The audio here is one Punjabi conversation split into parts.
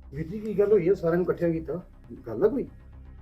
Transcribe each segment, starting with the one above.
ਵੀਰ ਜੀ ਕੀ ਗੱਲ ਹੋਈ ਹੈ ਸਾਰਿਆਂ ਨੂੰ ਇਕੱਠਿਆਂ ਕੀਤਾ? ਗੱਲ ਆ ਕੋਈ?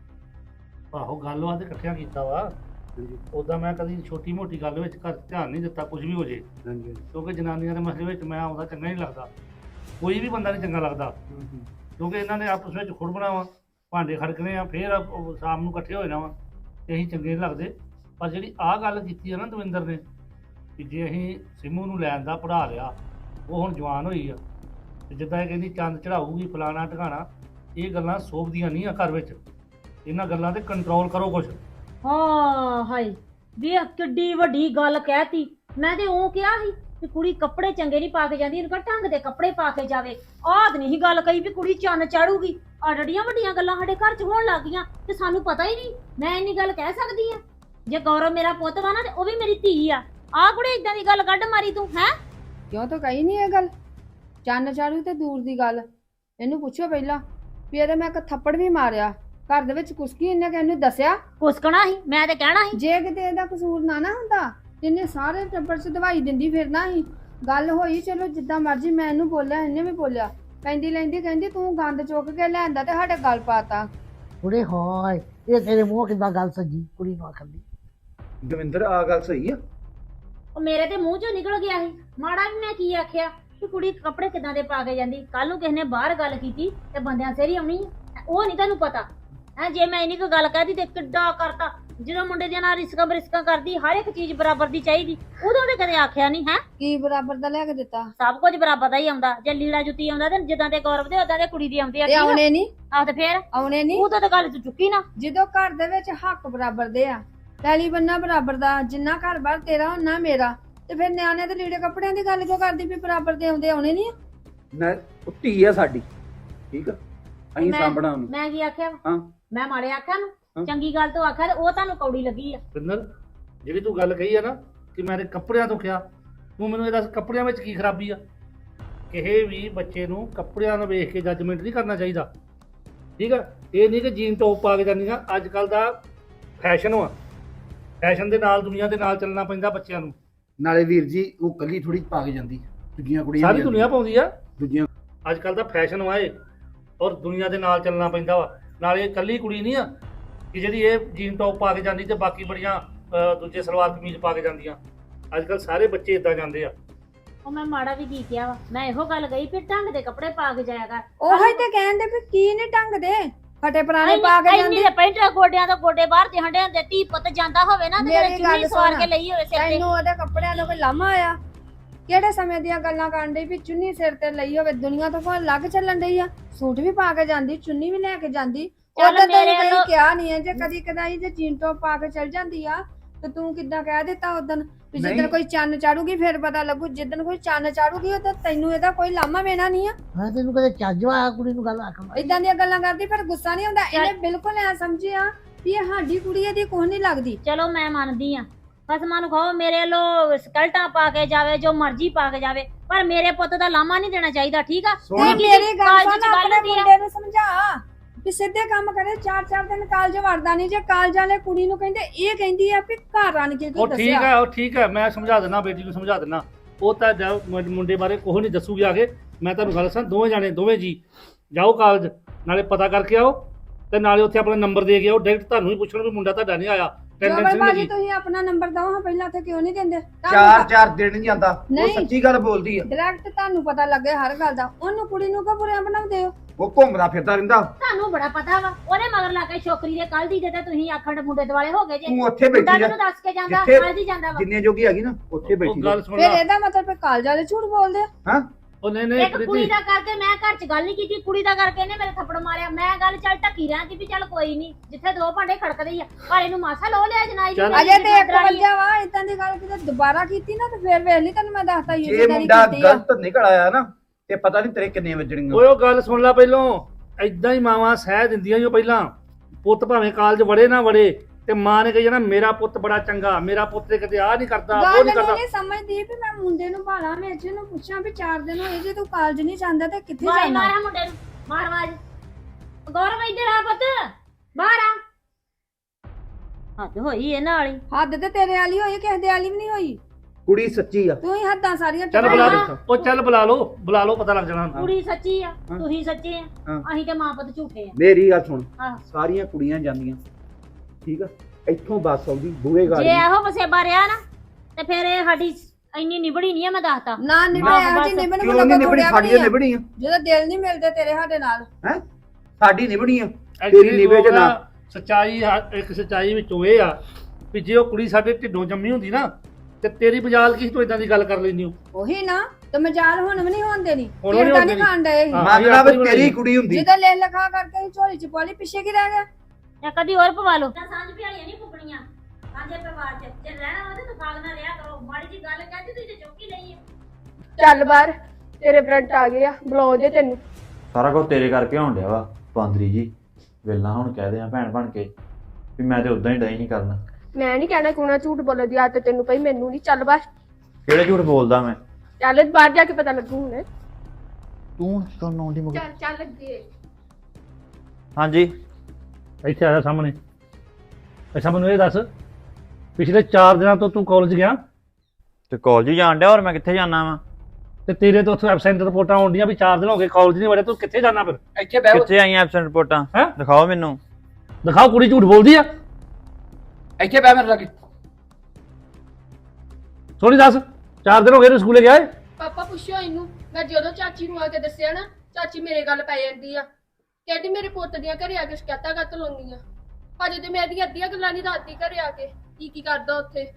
ਆਹੋ ਗੱਲ ਵਾ ਤੇ ਇਕੱਠਿਆਂ ਕੀਤਾ ਵਾ। ਹਾਂਜੀ ਉਦਾਂ ਮੈਂ ਕਦੀ ਛੋਟੀ ਮੋਟੀ ਗੱਲ ਵਿੱਚ ਘਰ ਧਿਆਨ ਨਹੀਂ ਦਿੱਤਾ, ਕੁਝ ਵੀ ਹੋ ਜੇ, ਹਾਂਜੀ ਕਿਉਂਕਿ ਜਨਾਨੀਆਂ ਦੇ ਮਸਲੇ ਵਿੱਚ ਮੈਂ ਆਉਂਦਾ ਚੰਗਾ ਨਹੀਂ ਲੱਗਦਾ। ਕੋਈ ਵੀ ਬੰਦਾ ਨਹੀਂ ਚੰਗਾ ਲੱਗਦਾ, ਕਿਉਂਕਿ ਇਹਨਾਂ ਨੇ ਆਪਸ ਵਿੱਚ ਖੁੜਬਣਾ ਵਾ, ਭਾਂਡੇ ਖੜਕਣੇ ਆ, ਫੇਰ ਸ਼ਾਮ ਨੂੰ ਇਕੱਠੇ ਹੋ ਜਾਣਾ ਵਾ, ਤੇ ਅਸੀਂ ਚੰਗੇ ਨਹੀਂ ਲੱਗਦੇ। ਪਰ ਜਿਹੜੀ ਆਹ ਗੱਲ ਕੀਤੀ ਆ ਨਾ ਦਵਿੰਦਰ ਨੇ, ਕਿ ਜੇ ਅਸੀਂ ਸਿੰਮੂ ਨੂੰ ਲੈਣ ਦਾ ਪੜ੍ਹਾ ਲਿਆ, ਉਹ ਹੁਣ ਜਵਾਨ ਹੋਈ ਆ, ਤੇ ਜਿੱਦਾਂ ਇਹ ਕਹਿੰਦੀ ਚੰਦ ਚੜਾਊਗੀ ਫਲਾਣਾ ਢਗਾਣਾ, ਇਹ ਗੱਲਾਂ ਸੋਭਦੀਆਂ ਨਹੀਂ ਆ ਘਰ ਵਿੱਚ। ਇਹਨਾਂ ਗੱਲਾਂ ਤੇ ਕੰਟਰੋਲ ਕਰੋ ਕੁਛ। ਹਾਂ ਹਾਏ ਵੇ ਕਿੱਡੀ ਵੱਡੀ ਗੱਲ ਕਹਿਤੀ। ਮੈਂ ਤੇ ਉਹ ਕਿਹਾ ਸੀ ਕਿ ਕੁੜੀ ਕੱਪੜੇ ਚੰਗੇ ਨਹੀਂ ਪਾ ਕੇ ਜਾਂਦੀ, ਇਹਨੂੰ ਕਹ ਢੰਗ ਦੇ ਕੱਪੜੇ ਪਾ ਕੇ ਜਾਵੇ। ਆਹ ਨਹੀਂ ਗੱਲ ਕਹੀ ਵੀ ਕੁੜੀ ਚੰਨ ਚਾੜੂਗੀ। ਆ ਡੜੀਆਂ ਵੱਡੀਆਂ ਗੱਲਾਂ ਸਾਡੇ ਘਰ 'ਚ ਹੋਣ ਲੱਗ ਗਈਆਂ ਤੇ ਸਾਨੂੰ ਪਤਾ ਹੀ ਨਹੀਂ। ਮੈਂ ਇੰਨੀ ਗੱਲ ਕਹਿ ਸਕਦੀ ਆ? ਜੇ ਗੌਰਵ ਮੇਰਾ ਪੁੱਤ ਵਾ ਨਾ ਤੇ ਉਹ ਵੀ ਮੇਰੀ ਧੀ ਆ। ਆਹ ਕੁੜੇ ਇਦਾਂ ਦੀ ਗੱਲ ਕੱਢ ਮਾਰੀ ਤੂੰ ਹੈ? ਕਿਉਂ ਤਾਂ ਕਹੀ ਨਹੀਂ ਇਹ ਗੱਲ। ਚੰਨ ਚਾੜੂ ਤੇ ਦੂਰ ਦੀ ਗੱਲ। ਇਹਨੂੰ ਪੁੱਛੋ ਪਹਿਲਾਂ ਵੀ ਇਹਦੇ ਮੈਂ ਇੱਕ ਥੱਪੜ ਵੀ ਮਾਰਿਆ ਘਰ ਦੇ ਵਿੱਚ ਕੁਸਕੀ, ਇਹਨੇ ਕਿ ਇਹਨੂੰ ਦੱਸਿਆ? ਕੁਸਕਣਾ ਸੀ ਮੈਂ ਤੇ ਕਹਿਣਾ ਸੀ। ਜੇ ਕਿਤੇ ਇਹਦਾ ਕਸੂਰ ਨਾ ਹੁੰਦਾ ਇਹਨੇ ਸਾਰੇ ਟੱਬਰ 'ਚ ਦਵਾਈ ਦਿੰਦੀ ਫਿਰਨਾ ਸੀ। ਗੱਲ ਹੋਈ ਚਲੋ ਜਿੱਦਾਂ ਮਰਜ਼ੀ, ਮੈਂ ਇਹਨੂੰ ਬੋਲਿਆ ਇਹਨੇ ਵੀ ਬੋਲਿਆ। ਕਹਿੰਦੀ ਲੈਂਦੀ ਕਹਿੰਦੀ ਤੂੰ ਗੰਦ ਚੁੱਕ ਕੇ ਲਿਆਂਦਾ ਤੇ ਸਾਡੇ ਗੱਲ ਪਾਤਾ। ਕੁੜੇ ਹਾਏ ਇਹ ਤੇਰੇ ਮੂੰਹ ਕਿੱਦਾਂ ਗੱਲ ਸੱਜੀ ਕੁੜੀ ਨੂੰ ਆਖਣ ਦੀ। ਦਵਿੰਦਰ ਆ ਗੱਲ ਸਹੀ ਆ? ਉਹ ਮੇਰੇ ਤੇ ਮੂੰਹ 'ਚੋਂ ਨਿਕਲ ਗਿਆ ਸੀ। ਮਾੜਾ ਵੀ ਮੈਂ ਕੀ ਆਖਿਆ ਕਿ ਕੁੜੀ ਕੱਪੜੇ ਕਿਦਾਂ ਦੇ ਪਾ ਕੇ ਜਾਂਦੀ। ਕੱਲ ਨੂੰ ਕਿਸੇ ਨੇ ਬਾਹਰ ਗੱਲ ਕੀਤੀ ਤੇ ਬੰਦਿਆਂ ਸਿਰ ਹੀ ਆਉਣੀ ਆ। ਉਹ ਨਹੀਂ ਤੈਨੂੰ ਪਤਾ ਹੈ। ਜੇ ਮੈਂ ਇੰਨੀ ਕੋਈ ਗੱਲ ਕਹਿਦੀ ਤੇ ਕਿੱਡਾ ਕਰਤਾ। ਜਦੋਂ ਮੁੰਡੇ ਦੇ ਨਾਲ ਰਿਸਕਾਂ ਬਰਿਸਕਾਂ ਕਰਦੀ, ਹਰ ਇੱਕ ਚੀਜ਼ ਬਰਾਬਰ ਦੀ ਚਾਹੀਦੀ, ਉਦੋਂ ਤੇ ਕਦੇ ਆਖਿਆ ਨਹੀਂ ਹੈ। ਕੀ ਬਰਾਬਰ ਦਾ ਲੈ ਕੇ ਦਿੱਤਾ? ਸਭ ਕੁਝ ਬਰਾਬਰ ਦਾ ਹੀ ਆਉਂਦਾ। ਜੇ ਲੀੜਾ ਜੁੱਤੀ ਆਉਂਦਾ ਤੇ ਜਿੱਦਾਂ ਦੇ ਗੌਰਵ ਦੇ ਉਦਾਂ ਦੇ ਕੁੜੀ ਦੀ ਆਉਂਦੀ ਆ। ਤੇ ਆਉਣੇ ਨਹੀਂ? ਆਹ ਤੇ ਫੇਰ ਆਉਣੇ ਨਹੀਂ। ਉਹ ਤਾਂ ਗੱਲ ਤੂੰ ਚੁੱਕੀ ਨਾ। ਜਦੋਂ ਘਰ ਦੇ ਵਿੱਚ ਹੱਕ ਬਰਾਬਰ ਦੇ ਆ, ਪਹਿਲੀ ਬੰਨਾ ਬਰਾਬਰ ਦਾ, ਜਿੰਨਾ ਘਰ ਬਾਰ ਤੇਰਾ ਉਹਨਾਂ ਮੇਰਾ, ਤੇ ਫਿਰ ਨਿਆਣੇ ਦੇ ਲੀੜੇ ਕੱਪੜਿਆਂ ਦੀ ਗੱਲ ਕਿਉਂ ਕਰਦੀ ਵੀ ਬਰਾਬਰ ਦੇ ਆਉਂਦੇ? ਆਉਣੇ ਨਹੀਂ? ਨਾ ਉਹ ਧੀ ਆ ਸਾਡੀ, ਠੀਕ ਆ, ਅਸੀਂ ਸਾਂਭਣਾ ਉਹਨੂੰ। ਮੈਂ ਕੀ ਆਖਿਆ? ਹਾਂ ਮੈਂ ਮਾੜੇ ਆਖਿਆ ਹਾਂ। ਨੂੰ? ਚੰਗੀ ਗੱਲ ਤੋਂ ਆਖਿਆ ਤੇ ਉਹ ਤੁਹਾਨੂੰ ਕੌੜੀ ਲੱਗੀ ਆ। ਪਿੰਦਰ, ਜਿਹੜੀ ਤੂੰ ਗੱਲ ਕਹੀ ਆ ਨਾ ਕਿ ਮੇਰੇ ਕੱਪੜਿਆਂ ਤੋਂ ਕਿਹਾ, ਤੂੰ ਮੈਨੂੰ ਇਹ ਦੱਸ ਕੱਪੜਿਆਂ ਵਿੱਚ ਕੀ ਖਰਾਬੀ ਆ? ਕਿਸੇ ਵੀ ਬੱਚੇ ਨੂੰ ਕੱਪੜਿਆਂ ਨੂੰ ਵੇਖ ਕੇ ਜੱਜਮੈਂਟ ਨਹੀਂ ਕਰਨਾ ਚਾਹੀਦਾ, ਠੀਕ ਆ? ਇਹ ਨਹੀਂ ਕਿ ਜੀਨ ਟੌਪ ਪਾ ਕੇ ਜਾਂਦੀਆਂ। ਅੱਜ ਕੱਲ ਦਾ ਫੈਸ਼ਨ ਵਾ, ਫੈਸ਼ਨ ਦੇ ਨਾਲ ਦੁਨੀਆ ਦੇ ਨਾਲ ਚੱਲਣਾ ਪੈਂਦਾ ਬੱਚਿਆਂ ਨੂੰ। ਨਾਲੇ ਵੀਰ ਜੀ ਉਹ ਕੱਲੀ ਥੋੜੀ ਪਾ ਕੇ ਜਾਂਦੀ, ਦੂਜੀਆਂ ਕੁੜੀਆਂ ਸਾਰੀ ਵੀ ਦੁਨੀਆ ਪਾਉਂਦੀ ਆ। ਦੂਜੀਆਂ ਅੱਜ ਕੱਲ ਦਾ ਫੈਸ਼ਨ ਵਾ ਇਹ, ਔਰ ਦੁਨੀਆ ਦੇ ਨਾਲ ਚੱਲਣਾ ਪੈਂਦਾ ਵਾ। ਨਾਲੇ ਇਹ ਕੱਲੀ ਕੁੜੀ ਨਹੀਂ ਆ ਕਿ ਜਿਹੜੀ ਇਹ ਜੀਨ ਟੌਪ ਪਾ ਕੇ ਜਾਂਦੀ ਤੇ ਬਾਕੀ ਬੜੀਆਂ ਦੂਜੇ ਸਲਵਾਰ ਕਮੀਜ਼ ਪਾ ਕੇ ਜਾਂਦੀਆਂ। ਅੱਜ ਕੱਲ ਸਾਰੇ ਬੱਚੇ ਇਦਾਂ ਜਾਂਦੇ ਆ। ਉਹ ਮੈਂ ਮਾੜਾ ਵੀ ਕੀ ਕਿਹਾ ਵਾ? ਮੈਂ ਇਹੋ ਗੱਲ ਕਹੀ ਫਿਰ ਢੰਗ ਦੇ ਕੱਪੜੇ ਪਾ ਕੇ ਜਾਇਆ ਕਰ। ਉਹੀ ਤੇ ਕਹਿੰਦੇ ਵੀ ਕੀ ਨੇ ਢੰਗ ਦੇ ਫਟੇ ਪੁਰਾਣੇ ਪਾ ਕੇ ਇੰਨੀ ਜਾਂਦੇ। ਦੇ ਪੈਂਟ ਗੋਡਿਆਂ ਤੋਂ ਗੋਡੇ ਬਾਹਰ ਤੇ ਹੰਡੇ ਹੁੰਦੇ। ਧੀ ਪੁੱਤ ਜਾਂਦਾ ਹੋਵੇ ਨਾ ਤੇ ਮੇਰੀ ਚੁੰਨੀ ਗੱਲ ਸਵਾਰ ਸੁਣ। ਕੇ ਲਈ ਹੋਵੇ ਸਿਰ ਤੇ। ਤੈਨੂੰ ਉਹਦੇ ਕੱਪੜਿਆਂ ਦਾ ਕੋਈ ਲਾਮਾ ਆਇਆ? ਕਿਹੜੇ ਸਮੇਂ ਦੀਆਂ ਗੱਲਾਂ ਕਰਨ ਡਈ ਵੀ ਚੁੰਨੀ ਸਿਰ ਤੇ ਲਈ ਹੋਵੇ? ਦੁਨੀਆ ਤੋਂ ਕੋਈ ਲੱਗ ਚੱਲਣ ਡਈ ਆ। ਸੂਟ ਵੀ ਪਾ ਕੇ ਜਾਂਦੀ, ਚੁੰਨੀ ਵੀ ਲੈ ਕੇ ਜਾਂਦੀ। ਚੱਲ ਉਹਦਾ ਤਾਂ ਮੇਰੇ ਕਦੀ ਵੱਲੋਂ- ਕਿਹਾ ਨਹੀਂ ਹੈ। ਜੇ ਕਦੀ ਕਦਾਈ ਜੇ ਜੀਨ ਟੌਪ ਪਾ ਕੇ ਚੱਲ ਜਾਂਦੀ ਆ ਤੇ ਤੂੰ ਕਿੱਦਾਂ ਕਹਿ ਦਿੱਤਾ ਉਦੋਂ ਵੀ ਜਿੱਦਣ ਨਹੀਂ। ਕੋਈ ਚੰਨ ਚਾੜੂਗੀ ਫਿਰ ਪਤਾ ਲੱਗੂ? ਜਿੱਦਣ ਕੋਈ ਚੰਨ ਚਾੜੂਗੀ ਉਹ ਤਾਂ ਤੈਨੂੰ ਇਹਦਾ ਕੋਈ ਲਾਮਾ ਵੇਣਾ ਨਹੀਂ ਆ। ਮੈਂ ਤੈਨੂੰ ਕਦੇ ਚੱਜ ਆਇਆ ਕੁੜੀ ਨੂੰ ਗੱਲ ਆਖਣ ਦਾ? ਇਦਾਂ ਦੀਆਂ ਗੱਲਾਂ ਕਰਦੀ ਫਿਰ ਗੁੱਸਾ ਨਹੀਂ ਆਉਂਦਾ? ਇਹਨੇ ਬਿਲਕੁਲ ਐ ਸਮਝਿਆ ਵੀ ਇਹ ਸਾਡੀ ਕੁੜੀ ਇਹਦੀ ਕੁਛ ਨਹੀਂ ਲੱਗਦੀ। ਚਲੋ ਮੈਂ ਮੰਨਦੀ ਆ, ਖਸਮਾਂ ਨੂੰ ਖਾਓ, ਮੇਰੇ ਵੱਲੋਂ ਸਕਲਟਾਂ ਪਾ ਕੇ ਜਾਵੇ, ਜੋ ਮਰਜ਼ੀ ਪਾ ਕੇ ਜਾਵੇ, ਪਰ ਮੇਰੇ ਪੁੱਤ ਦਾ ਲਾਮਾ ਨਹੀਂ ਦੇਣਾ ਚਾਹੀਦਾ, ਠੀਕ ਆ? ਸੁਣ। ਤੇ ਕੀ ਮੇਰੀ ਗੱਲ ਕਾਲਜ ਸੁਣ, ਚ ਗੱਲ ਆਪਣੇ ਹੁੰਦੀ ਆ। ਮੁੰਡੇ ਨੂੰ ਸਮਝਾ ਵੀ ਸਿੱਧੇ ਕੰਮ ਕਰੇ। 4-4 ਦਿਨ ਕਾਲਜ ਵੜਦਾ ਨਹੀਂ। ਜੇ ਕਾਲਜ ਵਾਲੇ ਕੁੜੀ ਨੂੰ ਕਹਿੰਦੇ, ਇਹ ਕਹਿੰਦੀ ਆ ਵੀ ਘਰ ਆਣ ਕੇ ਕੀ ਉਹ ਠੀਕ ਦੱਸਿਆ? ਹੈ, ਉਹ ਠੀਕ ਹੈ, ਮੈਂ ਸਮਝਾ ਦਿੰਦਾ, ਬੇਟੀ ਨੂੰ ਸਮਝਾ ਦਿੰਦਾ। ਉਹ ਤਾਂ ਮੁੰਡੇ ਬਾਰੇ ਕੁਛ ਨਹੀਂ ਦੱਸੂਗੀ ਆ ਕੇ। ਮੈਂ ਤੁਹਾਨੂੰ ਗੱਲ ਦੱਸਾਂ, ਦੋਵੇਂ ਜਾਣੇ ਦੋਵੇਂ ਜੀ ਜਾਓ ਕਾਲਜ, ਨਾਲੇ ਪਤਾ ਕਰਕੇ ਆਓ ਤੇ ਨਾਲੇ ਉੱਥੇ ਆਪਣਾ ਨੰਬਰ ਦੇ ਕੇ ਆਓ। ਡਾਇਰੈਕਟ ਤੁਹਾਨੂੰ ਹੀ ਪੁੱਛਣ ਵੀ ਮੁੰਡਾ ਤੁਹਾਡਾ ਨਹੀਂ ਆਇਆ, ਜੋਬਰ ਟੈਂਡੈਂਸ ਨਹੀਂ ਭਾਜੀ ਲੱਗੀ। ਤੁਸੀਂ ਆਪਣਾ ਨੰਬਰ ਦਿਓ ਹਾਂ ਪਹਿਲਾਂ, ਤੇ ਕਿਉਂ ਨਹੀਂ ਦਿੰਦੇ? 4-4 ਦਿਨ ਨਹੀਂ ਜਾਂਦਾ। ਉਹ ਨਹੀਂ। ਸੱਚੀ ਗੱਲ ਬੋਲਦੀ ਆ। ਡਾਇਰੈਕਟ ਤੁਹਾਨੂੰ ਪਤਾ ਲੱਗੇ ਹਰ ਗੱਲ ਦਾ। ਉਹਨੂੰ ਕੁੜੀ ਨੂੰ ਕੋ ਬੁਰਿਆਂ ਬਣਾਉਂਦੇ ਹੋ? ਉਹ ਘੁੰਮਦਾ ਫਿਰਦਾ ਰਹਿੰਦਾ। ਤੁਹਾਨੂੰ ਬੜਾ ਪਤਾ ਵਾ। ਉਹਨੇ ਮਗਰ ਲਾ ਕੇ ਛੋਕਰੀ ਦੇ ਕੱਲ ਦੀ ਤੇ ਤੁਸੀਂ ਆਖਣ ਮੁੰਡੇ ਦੁਆਲੇ ਹੋ ਗਏ ਜੇ। ਤੂੰ ਉੱਥੇ ਮੁੰਡਾ ਬੈਠੀ ਮੈਨੂੰ ਜਾ, ਦੱਸ ਕੇ ਜਾਂਦਾ, ਜਿੱਥੇ- ਕੱਲ ਦੀ ਜਾਂਦਾ ਵਾ। ਜਿੰਨੇ ਜੋਗੀ ਹੈਗੀ ਨਾ ਉੱਥੇ ਉਹ ਬੈਠੀ ਗੱਲ ਸੁਣ ਫਿਰ ਲਾ। ਇਹਦਾ ਮਤਲਬ ਵੀ ਕਾਲਜ ਵਾਲੇ ਝੂਠ ਬੋਲਦੇ ਆ? ਹਾਂ ਉਹ ਨਹੀਂ ਨਹੀਂ ਇੱਕ ਕੁੜੀ ਪ੍ਰੀਤੀ, ਦਾ ਕਰਕੇ ਮੈਂ ਘਰ 'ਚ ਗੱਲ ਨਹੀਂ ਕੀਤੀ, ਕੁੜੀ ਦਾ ਕਰਕੇ ਇਹਨੇ ਮੇਰੇ ਥੱਪੜ ਮਾਰਿਆ। ਮੈਂ ਗੱਲ ਚੱਲ ਢੱਕੀ ਰਹਿੰਦੀ ਵੀ ਚੱਲ ਕੋਈ ਨਹੀਂ, ਜਿੱਥੇ ਦੋ ਭਾਂਡੇ ਖੜਕਦੇ ਹੀ ਆ, ਪਰ ਇਹਨੂੰ ਮਾਸਾ ਲੋ ਲਿਆ ਜਨਾਈ ਚੱਲ। ਅਜੇ ਤੇ ਇੱਕ ਵਜਾ ਵਾ। ਇਦਾਂ ਦੀ ਗੱਲ ਕਿਤੇ ਦੁਬਾਰਾ ਕੀਤੀ ਨਾ ਤੇ ਫਿਰ ਵੇਖ ਲਈ, ਤੈਨੂੰ ਮੈਂ ਦੱਸਤਾ ਹੀ ਜੇ ਮੁੰਡਾ ਗਲਤ ਨਿਕਲ ਆਇਆ ਨਾ ਤੇ ਪਤਾ ਨਹੀਂ ਤੇਰੇ ਕਿੰਨੇ ਵੱਜਣੀਆਂ। ਓਏ ਉਹ ਗੱਲ ਸੁਣ ਲੈ ਪਹਿਲੋਂ। ਐਦਾਂ ਹੀ ਮਾਵਾਂ ਸਹਿ ਦਿੰਦੀਆਂ ਜੋ ਪਹਿਲਾਂ। ਪੁੱਤ ਭਾਵੇਂ ਕਾਲਜ ਵੜੇ ਨਾ ਵੜੇ, ਤੇ ਮਾਂ ਨੇ ਕਹੀ ਜਾਣਾ ਮੇਰਾ ਪੁੱਤ ਬੜਾ ਚੰਗਾ, ਮੇਰਾ ਪੁੱਤ ਤੇ ਕਿਤੇ ਆ ਨਹੀਂ ਕਰਦਾ, ਉਹ ਗੱਲ ਨਹੀਂ ਕਰਦਾ। ਨਹੀਂ ਸਮਝਦੀ ਵੀ ਮੈਂ ਮੁੰਡੇ ਨੂੰ ਭਾਲਾਂ ਵਿੱਚ ਨੂੰ ਪੁੱਛਾਂ ਵੀ 4 ਦਿਨ ਹੋਏ ਜੇ ਤੂੰ ਕਾਲਜ ਨਹੀਂ ਜਾਂਦਾ ਤੇ ਕਿੱਥੇ ਵਾਈ ਜਾਣਾ? ਮਾਰਾ ਮੁੰਡੇ ਨੂੰ, ਮਾਰ ਆਵਾਜ਼। ਗੌਰਵ ਇੱਧਰ ਆ ਪੁੱਤ, ਬਾਹਰ ਆ। ਹੱਦ ਹੋਈ ਇਹਨਾਂ ਵਾਲੀ। ਹੱਦ ਤੇ ਤੇਰੇ ਵਾਲੀ ਹੋਈ, ਕਿਸੇ ਦੇ ਵਾਲੀ ਵੀ ਨਹੀਂ ਹੋਈ। ਕੁੜੀ ਸੱਚੀ ਆ। ਤੂੰ ਹੀ ਹੱਦਾਂ ਸਾਰੀਆਂ ਚੱਲ ਟਪਾਈਆਂ। ਬੁਲਾ ਉਹ ਚੱਲ ਬੁਲਾ ਲਓ ਪਤਾ ਲੱਗ ਜਾਣਾ ਕੁੜੀ ਸੱਚੀ ਆ ਹਾਂ। ਤੁਸੀਂ ਸੱਚੇ ਆ ਹਾਂ। ਅਸੀਂ ਤੇ ਮਾਂ ਪੁੱਤ ਝੂਠੇ ਆ ਮੇਰੀ ਗੱਲ ਸੁਣ, ਹਾਂ। ਸਾਰੀਆਂ ਕੁੜੀਆਂ ਜਾਂਦੀਆਂ ਠੀਕ ਆ, ਇੱਥੋਂ ਬੱਸ ਆਉਂਦੀ ਬੂਹੇ ਗਾੜੀ। ਜੇ ਇਹੋ ਵਸੇਬਾ ਰਿਹਾ ਨਾ ਤੇ ਫਿਰ ਇਹ ਸਾਡੀ ਇੰਨੀ ਨਿਬੜੀ ਨਹੀਂ ਆ, ਮੈਂ ਦੱਸਤਾ। ਨਾ ਨਿਭੜਿਆ ਬਸ। ਜੀ ਨਿਭਣ ਕਿਉਂ ਨੂੰ ਨਹੀਂ ਨਿਬੜੀ? ਸਾਡੀਆਂ ਨਿਬੜੀ ਆ। ਜਦੋਂ ਦਿਲ ਨਹੀਂ ਮਿਲਦੇ ਤੇਰੇ ਸਾਡੇ ਨਾਲ। ਹੈ ਸਾਡੀ ਨਿਬੜੀ ਆ, ਤੇਰੀ Actually ਨਿਵੇ ਚ ਨਾ। ਸੱਚਾਈ ਇੱਕ ਸੱਚਾਈ ਵਿੱਚੋਂ ਇਹ ਆ ਵੀ ਜੇ ਉਹ ਕੁੜੀ ਸਾਡੇ ਢਿੱਡੋਂ ਜੰਮੀ ਹੁੰਦੀ ਨਾ ਤੇ ਤੇਰੀ ਬਜਾਲ ਕੀ ਤੂੰ ਇਦਾਂ ਦੀ ਗੱਲ ਕਰ ਲੈਂਦੀ ਹੋ। ਉਹੀ ਨਾ ਤੇ ਮਜਾਲ ਹੁਣ ਵੀ ਨਹੀਂ ਹੋਣ ਦੇਣੀ। ਹੁਣ ਵੀ ਨੀ ਫਿਰ ਤਾਂ ਹੋਣ ਨਹੀਂ ਦੇਣੀ। ਖਾਣ ਡਏ ਸੀ। ਹਾਂ। ਮੰਨਣਾ ਵੀ ਤੇਰੀ ਕੁੜੀ ਹੁੰਦੀ। ਜਦੋਂ ਲੈ ਲਖਾ ਕਰਕੇ ਅਸੀਂ ਝੋਲੀ ਚ ਪੋਲੀ ਪਿੱਛੇ ਕੀ ਰਹਿ ਗਿਆ। ਜਾਂ ਕਦੀ ਹੋਰ ਪਵਾ ਲਓ। ਸਾਂਝ ਪਿਆਲੀਆਂ ਨਹੀਂ ਫੁੱਕਣੀਆਂ ਸਾਂਝੇ ਪਰਿਵਾਰ 'ਚ। ਜੇ ਰਹਿਣਾ ਵਾ ਤੇ ਤਫਾਕ ਨਾ ਰਿਹਾ ਕਰੋ। ਮਾੜੀ ਜੀ ਗੱਲ ਕਹਿੰਦੀ ਤੁਸੀਂ ਤੇ ਚੁੱਕੀ ਲਈ ਹੈ। ਚੱਲ ਬਾਹਰ, ਤੇਰੇ ਫਰੈਂਡ ਆ ਗਏ ਆ, ਬੁਲਾਉਂਦੇ ਤੈਨੂੰ। ਸਾਰਾ ਕੁਝ ਤੇਰੇ ਕਰਕੇ ਹੋਣ ਡਿਆ ਵਾ ਬਾਂਦਰੀ ਜੀ। ਵੇਲਾ ਹੁਣ ਕਹਦੇ ਆ ਭੈਣ ਬਣ ਕੇ ਵੀ ਮੈਂ ਤੇ ਉਦਾਂ ਹੀ ਡਈ ਨਹੀਂ ਕਰਨਾ। ਮੈਂ ਨਹੀਂ ਕਹਿਣਾ ਕੋਣਾ ਝੂਠ ਬੋਲਣ ਦੀ ਆਦਤ ਤੈਨੂੰ ਪਈ, ਮੈਨੂੰ ਨਹੀਂ। ਚੱਲ ਬਾਹਰ, ਕਿਹੜੇ ਝੂਠ ਬੋਲਦਾ ਮੈਂ? ਚੱਲ ਬਾਹਰ ਜਾ ਕੇ ਪਤਾ ਲੱਗੂ ਹੁਣ। ਤੂੰ ਕੌਣ ਆਉਂਦੀ ਮਗਰ? ਚੱਲ ਚੱਲ ਅੱਗੇ। ਹਾਂਜੀ ਇੱਥੇ ਆਇਆ ਸਾਹਮਣੇ। ਅੱਛਾ ਮੈਨੂੰ ਇਹ ਦੱਸ, ਪਿਛਲੇ 4 ਦਿਨਾਂ ਤੋਂ ਤੂੰ ਕਾਲਜ ਗਿਆ ਤੇ ਕਾਲਜ ਹੀ ਜਾਣ ਡਿਆ, ਹੋਰ ਮੈਂ ਕਿੱਥੇ ਜਾਣਾ ਵਾ? ਤੇ ਤੇਰੇ ਤੋਂ ਉੱਥੇ ਐਬਸੈਂਟ ਰਿਪੋਰਟਾਂ ਆਉਂਦੀਆਂ ਵੀ 4 ਦਿਨ ਹੋ ਗਏ ਕਾਲਜ ਨਹੀਂ ਵੜਿਆ, ਤੂੰ ਕਿੱਥੇ ਜਾਣਾ ਫਿਰ? ਇੱਥੇ ਬਹਿ ਕਿੱਥੇ ਆਈਆਂ ਐਬਸੈਂਟ ਰਿਪੋਰਟਾਂ? ਹੈਂ? ਦਿਖਾਓ ਮੈਨੂੰ। ਦਿਖਾਓ, ਕੁੜੀ ਝੂਠ ਬੋਲਦੀ ਆ। ਇੱਥੇ ਬਹਿ ਮੇਰੇ ਲਾਗੇ। ਸੋਣੀ ਦੱਸ, 4 ਦਿਨ ਹੋ ਗਏ ਤੂੰ ਸਕੂਲੇ ਗਿਆ ਏ? ਪਾਪਾ ਪੁੱਛਿਓ ਇਹਨੂੰ। ਮੈਂ ਜਦੋਂ ਚਾਚੀ ਨੂੰ ਆ ਕੇ ਦੱਸਿਆ ਨਾ, ਚਾਚੀ ਮੇਰੇ ਗੱਲ ਪੈ ਜਾਂਦੀ ਆ। ਕਹਿੰਦੀ ਮੇਰੇ ਪੁੱਤ ਦੀਆਂ ਘਰੇ ਆ ਕੇ ਸ਼ਿਕਾਇਤਾਂ ਕੱਤ ਲਾਉਂਦੀਆਂ। ਹਜੇ ਤੇ ਮੈਂ ਇਹਦੀਆਂ ਅੱਧੀਆਂ ਗੱਲਾਂ ਨਹੀਂ ਦੱਸਦੀ ਘਰੇ ਆ ਕੇ ਕੀ ਕਰਦਾ ਉੱਥੇ।